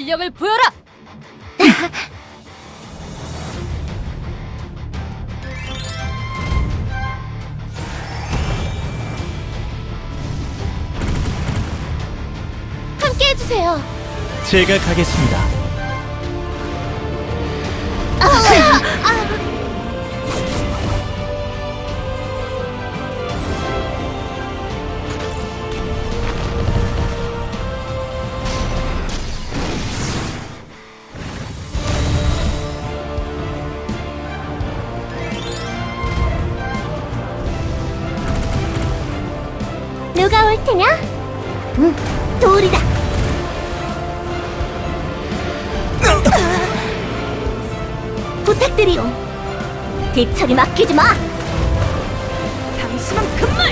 실력을 보여라! 함께 해주세요. 제가 가겠습니다. 누가 올 테냐? 돌이다. 부탁드리오. 대처리 맡기지 마. 당신은 금물!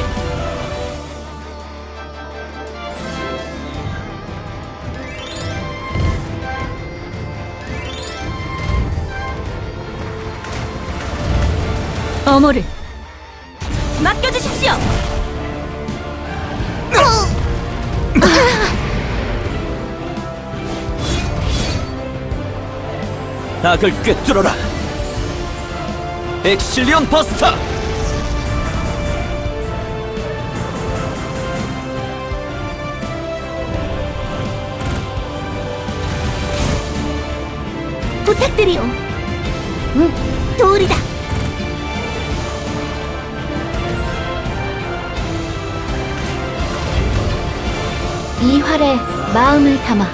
어머를 맡겨주십시오! 악을 꿰뚫어라. 엑실리온 버스터. 부탁드리오. 돌이다. 이 활에 마음을 담아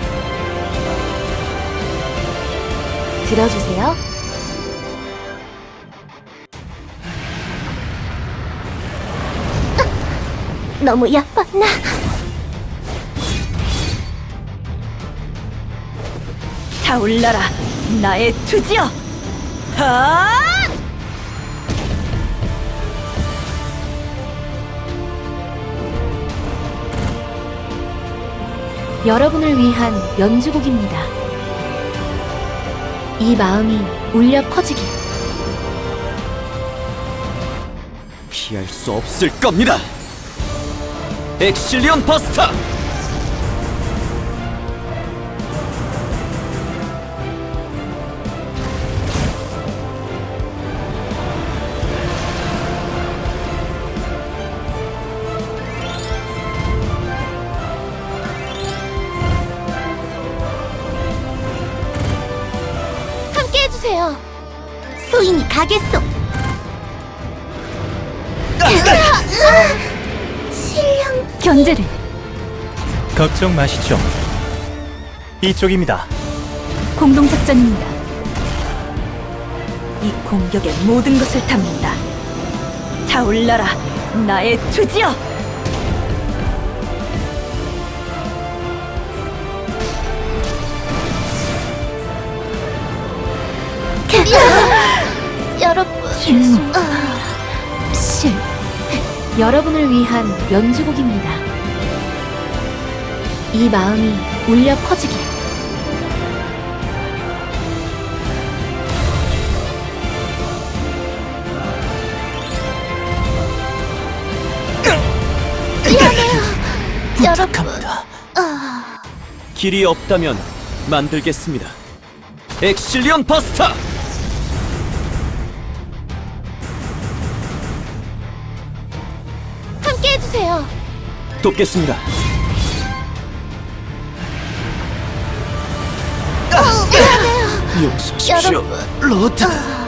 들어주세요. 너무 예뻤나? 타올라라, 나의 투지여! 하! 여러분을 위한 연주곡입니다. 이 마음이 울려 퍼지길. 피할 수 없을 겁니다. 엑실리온 버스터. 함께 해주세요. 소인이 가겠소. 실력 견제를 걱정 마시죠. 이쪽입니다. 공동작전입니다. 이 공격의 모든 것을 담는다. 타올라라, 나의 투지여! 여러분, 실무. 실. 여러분을 위한 연주곡입니다. 이 마음이 울려 퍼지길. 미안해요, 여러분. 부탁합니다. 길이 없다면 만들겠습니다. 엑실리온 버스터. 함께 해주세요. 돕겠습니다. 미안해요. 용서하십시오, 여러분. 로드.